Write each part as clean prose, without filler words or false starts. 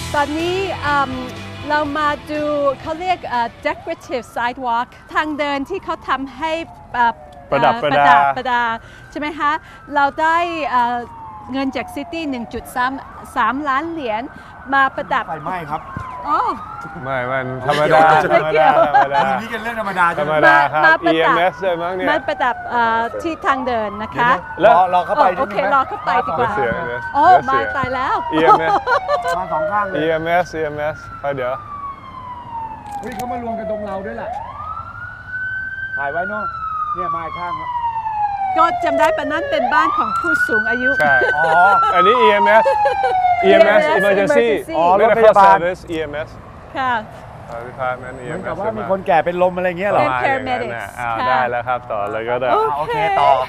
ตอนนี้เรามาดูเขาเรียก decorative sidewalk ทางเดินที่เขาทำให้ประดับใช่ไหมคะเราได้เงินจากซิตี้ 1.3 ล้านเหรียญมาประดับไฟไหม้ครับไม่มันธรรมดานี่กันเรื่องธรรมดาครับ EMS ด้วยมั้งเนี่ยมาประดับที่ทางเดินนะคะแล้วรอเข้าไปโอเครอเข้าไปดีกว่าโอ้มาตายแล้ว EMS มาสองข้างเลย EMS ไปเดี๋ยวเฮ้ยเขามารวมกันตรงเราด้วยแหละถ่ายไว้เนาะเนี่ยมาข้างก็จำได้ปะนั้นเป็นบ้านของผู้สูงอายุใช่อันนี้ EMS Emergency รถพยาบาล EMS ค่ะเหมือนกับว่ามีคนแก่เป็นลมอะไรเงี้ยหรอได้แล้วครับต่อเลยก็ได้โอเคต่อ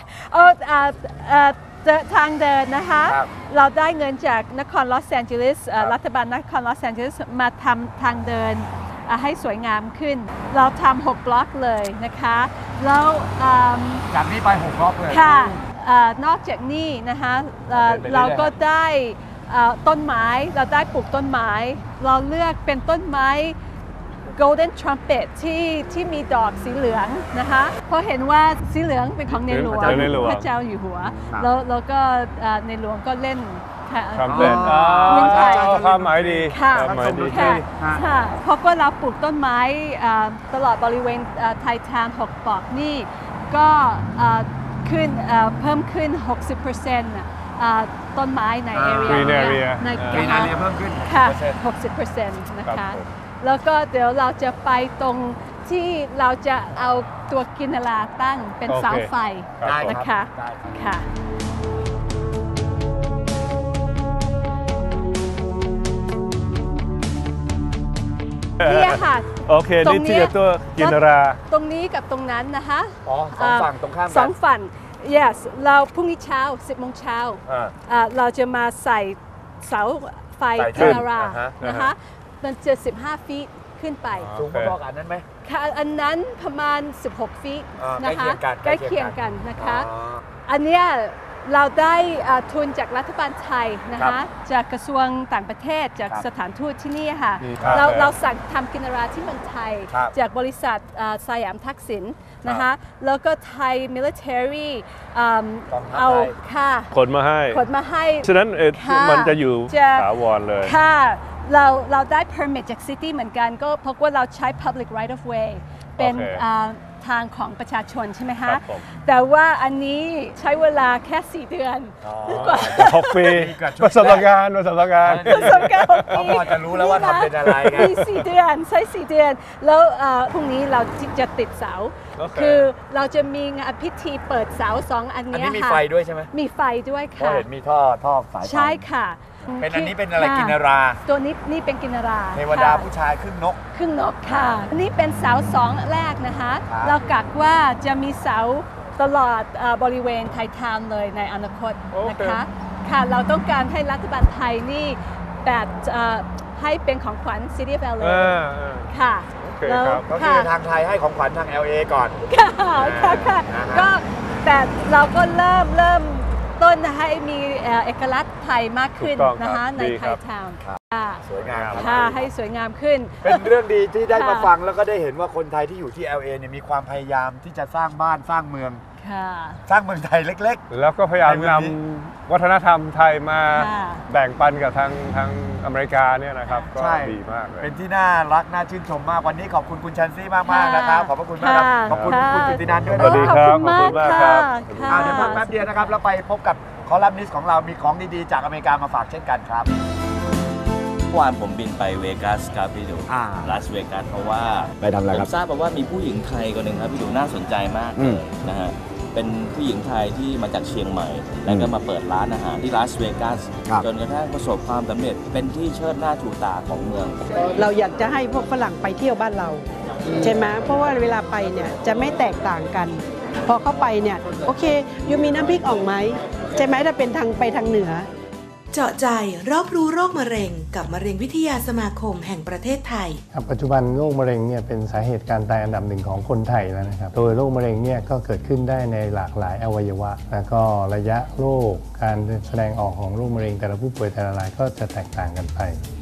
ทางเดินนะคะเราได้เงินจากนครลอสแอนเจลิสรัฐบาลนครลอสแอนเจลิสมาทำทางเดินให้สวยงามขึ้นเราทำ6 บล็อกเลยนะคะแล้วจากนี้ไป6 บล็อกเลยค่ะนอกจากนี้นะคะเราก็ได้ต้นไม้เราได้ปลูกต้นไม้เราเลือกเป็นต้นไม้ Golden Trumpet ที่มีดอกสีเหลืองนะคะเพราะเห็นว่าสีเหลืองเป็นของในหลวงพระเจ้าอยู่หัวแล้วก็ในหลวงก็เล่นทำเป็นความหมายดีความหมายดีค่ะเพราะว่าเราปลูกต้นไม้ตลอดบริเวณไทยทาวน์6 บล็อกนี่ก็เพิ่มขึ้น 60%ต้นไม้ในแอเรียในเพิ่มขึ้นค่ะ 60% นะคะแล้วก็เดี๋ยวเราจะไปตรงที่เราจะเอาตัวกินลาตั้งเป็นเสาไฟนะคะค่ะนี่ค่ะโอเคนี่ที่ตัวกินราตรงนี้กับตรงนั้นนะคะ 2 ฝั่งตรงข้าม 2 ฝั่ง yes เราพรุ่งนี้เช้า 10 โมงเช้าเราจะมาใส่เสาไฟกินรานะคะมันจะ15 ฟีตขึ้นไปสูงพอๆกับอันนั้นไหมค่ะอันนั้นประมาณ16 ฟีตนะคะใกล้เคียงกันนะคะอันเนี้ยเราได้ทุนจากรัฐบาลไทยนะคะจากกระทรวงต่างประเทศจากสถานทูตที่นี่ค่ะเราสั่งทำกินราที่เมืองไทยจากบริษัทสยามทักษิณนะคะแล้วก็ไทย military เอาค่ะขนมาให้ฉะนั้นมันจะอยู่ถาวรเลยค่ะเราได้ permit จาก city เหมือนกันก็เพราะว่าเราใช้ public right of way เป็นทางของประชาชนใช่ไหมคะแต่ว่าอันนี้ใช้เวลาแค่4 เดือนกว่า6 ปีประสบการณ์เขาพอจะรู้แล้วว่าทำเป็นอะไรไงมี4 เดือนใช้4 เดือนแล้วพรุ่งนี้เราจะติดเสาคือเราจะมีงานพิธีเปิดเสา2 อันนี้ค่ะมีไฟด้วยใช่ไหมมีไฟด้วยค่ะเห็นมีท่อสายไฟใช่ค่ะเป็นอันนี้เป็นอะไรกินราตัวนี้นี่เป็นกินราเทวดาผู้ชายครึ่งนกค่ะนี่เป็นเสา2 แรกนะคะเรากักว่าจะมีเสาตลอดบริเวณไทยทาวน์เลยในอนาคตนะคะค่ะเราต้องการให้รัฐบาลไทยนี่แบบให้เป็นของขวัญ City of LA ค่ะก็คือทางไทยให้ของขวัญทาง LA ก่อนค่ะก็แต่เราก็เริ่มต้นให้มีเอกลักษณ์ไทยมากขึ้นนะคะในไทยทาวน์สวยงามค่ะให้สวยงามขึ้นเป็นเรื่องดีที่ได้มาฟังแล้วก็ได้เห็นว่าคนไทยที่อยู่ที่ LA เนี่ยมีความพยายามที่จะสร้างบ้านสร้างเมืองสร้างเมืองไทยเล็กๆแล้วก็พยายามนำวัฒนธรรมไทยมาแบ่งปันกับทางอเมริกาเนี่ยนะครับก็ดีมากเลยเป็นที่น่ารักน่าชื่นชมมากวันนี้ขอบคุณคุณชันซี่มากๆนะครับขอบพระคุณมากขอบคุณคุณกิตตินันท์ด้วยสวัสดีครับขอบคุณมากครับเดี๋ยวพักแป๊บเดียวนะครับแล้วไปพบกับคอลัมนิสต์ของเรามีของดีๆจากอเมริกามาฝากเช่นกันครับเมื่อวานผมบินไปเวกัสครับพี่ดูลาสเวกัสเพราะว่าไปทำอะไรครับผมทราบมาว่ามีผู้หญิงไทยคนหนึ่งครับพี่ดูน่าสนใจมากเลยนะฮะเป็นผู้หญิงไทยที่มาจากเชียงใหม่แล้วก็มาเปิดร้านอาหารที่ลาสเวกัสจนกระทั่งประสบความสำเร็จเป็นที่เชิดหน้าชูตาของเมืองเราอยากจะให้พวกฝรั่งไปเที่ยวบ้านเราใช่ไหมเพราะว่าเวลาไปเนี่ยจะไม่แตกต่างกันพอเข้าไปเนี่ยโอเคยูมีน้ำพริกอ่องไหมใช่ไหมถ้าเป็นทางไปทางเหนือเจาะใจรอบรู้โรคมะเร็งกับมะเร็งวิทยาสมาคมแห่งประเทศไทยครับปัจจุบันโรคมะเร็งเนี่ยเป็นสาเหตุการตายอันดับหนึ่งของคนไทยแล้วนะครับโดยโรคมะเร็งเนี่ยก็เกิดขึ้นได้ในหลากหลายอวัยวะแล้วก็ระยะโรคการแสดงออกของโรคมะเร็งแต่ละผู้ป่วยแต่ละรายก็จะแตกต่างกันไป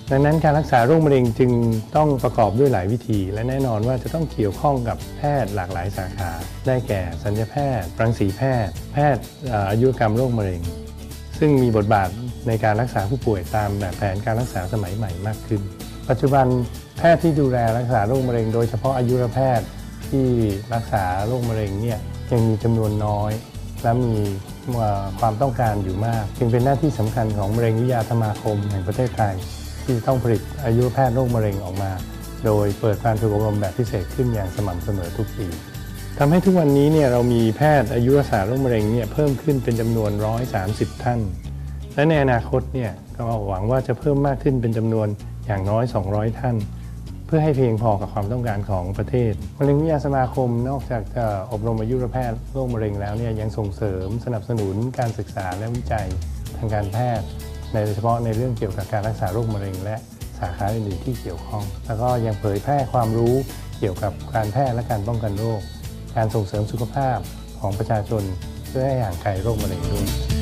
ดังนั้นการรักษาโรคมะเร็งจึงต้องประกอบด้วยหลายวิธี และแน่นอนว่าจะต้องเกี่ยวข้องกับแพทย์หลากหลายสาขาได้แก่ศัลยแพทย์รังสีแพทย์แพทย์อายุรกรรมโรคมะเร็งซึ่งมีบทบาทในการรักษาผู้ป่วยตามแบบแผนการรักษาสมัยใหม่มากขึ้นปัจจุบันแพทย์ที่ดูแลรักษาโรคมะเร็งโดยเฉพาะอายุรแพทย์ที่รักษาโรคมะเร็งเนี่ยยังมีจำนวนน้อยและมีความต้องการอยู่มากจึงเป็นหน้าที่สำคัญของมะเร็งวิทยาสมาคมแห่งประเทศไทยที่ต้องผลิตอายุรแพทย์โรคมะเร็งออกมาโดยเปิดการฝึกอบรมแบบพิเศษขึ้นอย่างสม่ำเสมอทุกปีทำให้ทุกวันนี้เนี่ยเรามีแพทย์อายุรักษาโรคมะเร็งเนี่ยเพิ่มขึ้นเป็นจำนวน130ท่านและในอนาคตเนี่ยก็หวังว่าจะเพิ่มมากขึ้นเป็นจำนวนอย่างน้อย200ท่านเพื่อให้เพียงพอกับความต้องการของประเทศมะเร็งวิทยาสมาคมนอกจากจะอบรมอายุรแพทย์โรคมะเร็งแล้วเนี่ยยังส่งเสริมสนับสนุนการศึกษาและวิจัยทางการแพทย์โดยเฉพาะในเรื่องเกี่ยวกับการรักษาโรคมะเร็งและสาขาอื่นๆที่เกี่ยวข้องแล้วก็ยังเผยแพร่ความรู้เกี่ยวกับการแพทย์และการป้องกันโรคการส่งเสริมสุขภาพของประชาชนเพื่อให้ห่างไกลโรคมะเร็งด้วย